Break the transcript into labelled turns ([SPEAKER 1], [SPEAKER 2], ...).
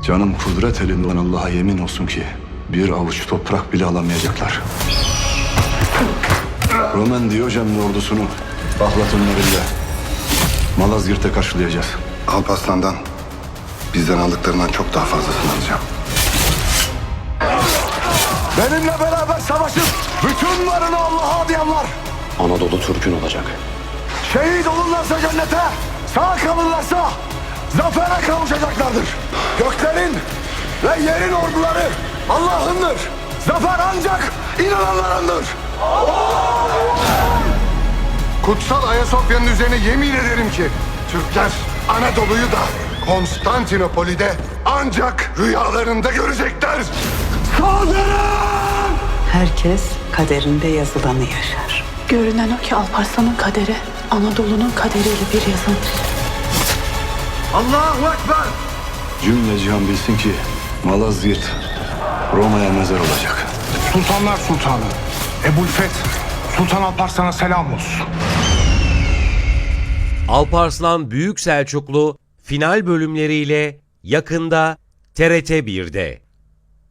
[SPEAKER 1] Canım kudret elinden Allah'a yemin olsun ki bir avuç toprak bile alamayacaklar. Roman Diyojen'in ordusunu Bahlat'ın elinde Malazgirt'te karşılayacağız.
[SPEAKER 2] Alparslan'dan bizden aldıklarından çok daha fazlasını alacağım.
[SPEAKER 1] Benimle beraber savaşıp bütün varını Allah'a adayanlar
[SPEAKER 3] Anadolu Türk'ün olacak.
[SPEAKER 1] şehit olurlarsa cennete, sağ kalırlarsa zafere kavuşacaklardır. Göklerin ve yerin orduları Allah'ındır. Zafer ancak inananlarındır.
[SPEAKER 2] Kutsal Ayasofya'nın üzerine yemin ederim ki Türkler Anadolu'yu da Konstantinopol'i de ancak rüyalarında görecekler.
[SPEAKER 1] Saldırın!
[SPEAKER 4] Herkes kaderinde yazılanı yaşar.
[SPEAKER 5] Görünen o ki Alparslan'ın kaderi Anadolu'nun kaderiyle bir yazılmış.
[SPEAKER 1] Allahu Ekber! Cümle cihan bilsin ki Malazgirt Roma'ya mezar olacak.
[SPEAKER 6] Sultanlar Sultanı Ebu'l-Feth Sultan Alparslan'a selam olsun.
[SPEAKER 7] Alparslan Büyük Selçuklu final bölümleriyle yakında TRT 1'de.